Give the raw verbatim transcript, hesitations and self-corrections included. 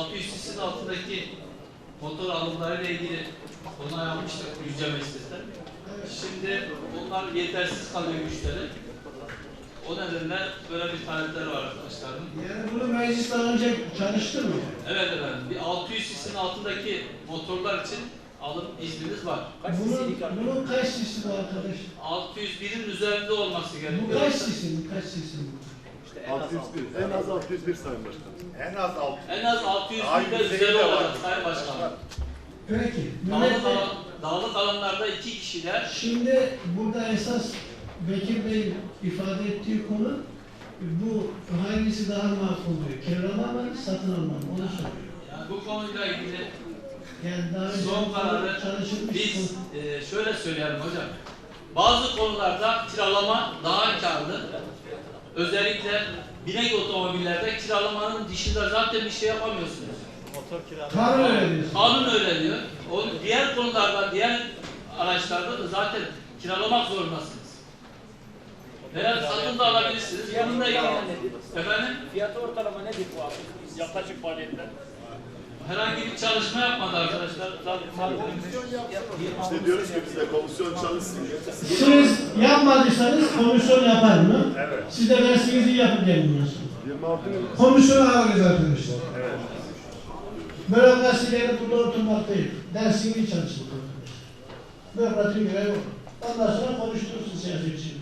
altı yüz cc'nin altındaki motor alımlarıyla ilgili onay almıştık Yüce Meclis'ten. Şimdi bunlar yetersiz kalıyor güçleri. O nedenle böyle bir talepler var arkadaşlarım. Yani bunu meclis daha önce çalıştı mı? Evet efendim. Bir altı yüz cc'nin altındaki motorlar için alım iznimiz var. Bunun, bunun kaç sisi bu arkadaş? altı yüz birin üzerinde olması Bu gerekiyor. kaç sisi? Kaç sisi bu? altı yüz bir. En az altı yüz bir Sayın Başkanım. En az altı. En az altı yüz Daha binde yüzeyi üzeri de var. olacak Sayın Başkanım. Peki. Dağlık, Mehmet Bey, alan, dağlık alanlarda iki kişiler. şimdi burada esas Bekir Bey ifade ettiği konu bu hangisi daha makul diyor? Kiralama mı, satın alma mı? Onu soruyor. Yani bu konuyla ilgili Yani daha önce son kararı çalışılmış biz konu. e, şöyle söyleyelim hocam. Bazı konularda kiralama daha karlı. Özellikle binek otomobillerde kiralamanın dışında zaten bir şey yapamıyorsunuz. Kanun öyle diyorsun. Kanun öyle diyor. O diğer konularda, diğer araçlarda da zaten kiralamak zorundasınız. Veya satın da alabilirsiniz. Bununla ilgili efendim Fiyatı ortalama nedir bu abi? Yaklaşık maliyetler. herhangi bir çalışma yapmadı arkadaşlar. İşte diyoruz ki biz de komisyon çalışsın. Siz yapmadıysanız komisyon yapar mı? Evet. Siz de dersinizi yapın gelin bundan sonra. yirmi altı yıl. Komisyonu alırız arkadaşlar. Evet. Bürokrasileri burada oturmak değil. Dersini çalışın arkadaşlar. Bürokratik görev o. Ondan sonra konuşturursun siyasetçiyi.